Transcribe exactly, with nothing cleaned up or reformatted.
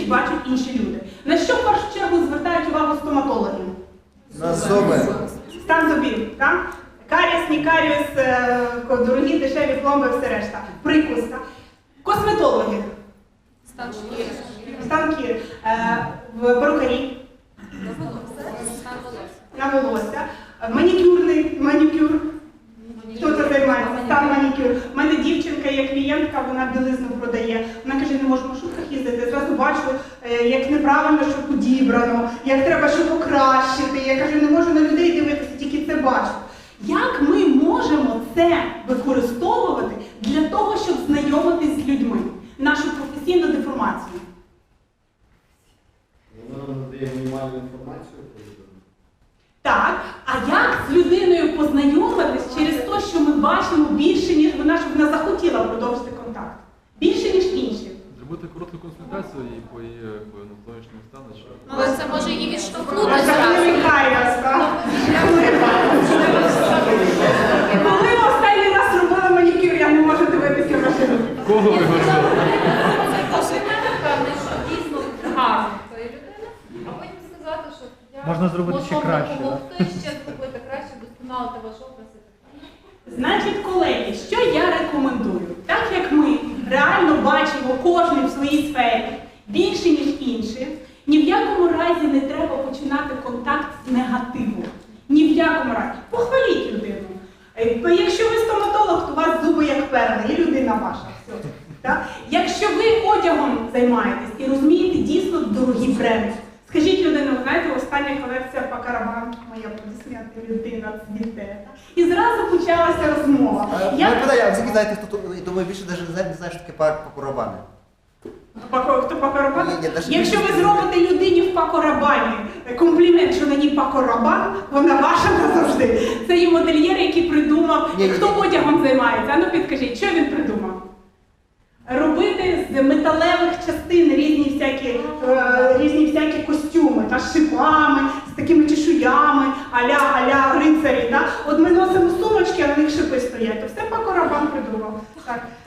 бачать інші люди. На що в першу чергу звертають увагу стоматологи? На зуби. Стан зубів, так? Каріс, не каріс, дорогі, дешеві пломби, все решта. Прикус, так? Косметологи. Стан шкіри. Стан шкіри. В перукарі. На волосся. Манікюрний, манікюр. Хто це займається? Стан манікюр. У мене дівчинка є клієнтка, вона білизну продає. Вона каже, не можу в маршрутках їздити. Я зразу бачу, як неправильно, що підібрано, як треба, що покращити. Я кажу, не можу на людей дивитися, тільки це бачу. Як ми можемо це використовувати для того, щоб знайомитись з людьми? Нашу професійну деформацію. Вона надає мінімальну інформацію про людину. Так, а як з людиною познайомитись через те, що ми бачимо більше, ніж вона, щоб вона захотіла продовжити контакт? Більше, ніж інші. Зробити коротку консультацію і по її зовнішньому стану, що... Але це може її відштовхнути А це зразу. не каріас, так? Коли ви останній раз робили манікюр, я не можу дивитися машину. Кого ви говорили? Це комплімент певний, що дійсно гарно цієї людини, а потім сказати, що я Можна зробити ще можу краще, допомогти, ще зробити краще, вдосконалити ваш образ і так далі. Значить, колеги, що я рекомендую? Так як ми реально бачимо кожен в своїй сфері більше, ніж інші, ні в якому разі не треба починати контакт з негативу. Ні в якому разі. Похваліть людину. Якщо ви стоматолог, то у вас зуби як перли, і людина ваша. Все. Так? Якщо ви одягом займаєтесь і розумієте дійсно дорогі бренди, скажіть людину, знаєте, остання колекція Пакарабан, моя аплодисменти, людина цвіте. І зразу почалася розмова. Я питаю, а ви знаєте, хто тут, тому я більше навіть не знаю, що таке пакорабани. Хто Пакорабан? Ні, ні, навіть Якщо не ви знаю. зробите людині в Пакорабані комплімент, що на ній Пакорабан, вона ваша назавжди. Це є модельєр, який придумав, Ні, ні, хто ні. одягом займається. А ну підкажіть, що він придумав? Робити з металевих частин різні всякі, е, різні всякі костюми, та, з шипами, з такими чешуями, аля, аля рицарі. Да? От ми носимо сумочки, а на них шипи стоять. То все Пакорабан придумав. Так.